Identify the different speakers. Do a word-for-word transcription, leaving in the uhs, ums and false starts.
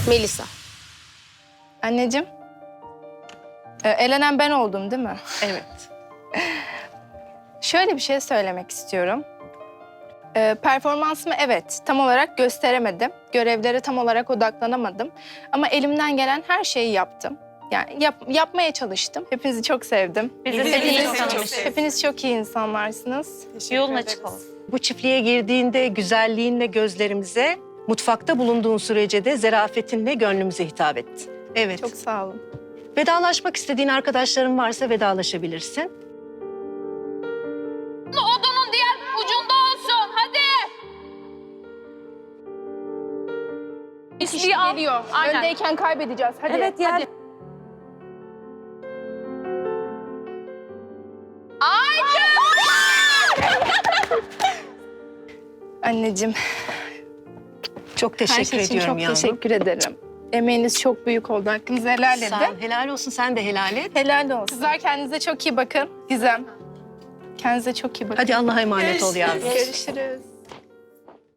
Speaker 1: Melisa.
Speaker 2: Anneciğim. Ee, elenen ben oldum değil mi?
Speaker 1: Evet.
Speaker 2: Şöyle bir şey söylemek istiyorum. Ee, performansımı evet tam olarak gösteremedim. Görevlere tam olarak odaklanamadım. Ama elimden gelen her şeyi yaptım. Yani yap, yapmaya çalıştım. Hepinizi çok sevdim.
Speaker 3: Biz de
Speaker 2: Hepiniz,
Speaker 3: seni çok
Speaker 2: çok,
Speaker 3: sevdik.
Speaker 2: hepiniz çok iyi insanlarsınız.
Speaker 3: Yolun açık olsun.
Speaker 4: Bu çiftliğe girdiğinde güzelliğinle gözlerimize, mutfakta bulunduğun sürece de zarafetinle gönlümüze hitap etti. Evet.
Speaker 2: Çok sağ olun.
Speaker 4: Vedalaşmak istediğin arkadaşların varsa vedalaşabilirsin.
Speaker 5: Odunun diğer ucunda olsun. Hadi.
Speaker 2: İşte
Speaker 5: Bir al.
Speaker 2: geliyor.
Speaker 5: Aynen.
Speaker 2: Öndeyken kaybedeceğiz. Hadi.
Speaker 3: Evet ya.
Speaker 2: Hadi. Anneciğim,
Speaker 4: Çok
Speaker 2: her
Speaker 4: teşekkür
Speaker 2: şey için
Speaker 4: ediyorum
Speaker 2: çok
Speaker 4: yavrum.
Speaker 2: teşekkür ederim. Emeğiniz çok büyük oldu. Hakkınızı helal edin.
Speaker 4: Sağ ol. Helal olsun, sen de helal et.
Speaker 2: Helal olsun. Kızlar kendinize çok iyi bakın. Gizem. Kendinize çok iyi bakın.
Speaker 4: Hadi Allah'a emanet ol yavrum.
Speaker 2: Görüşürüz.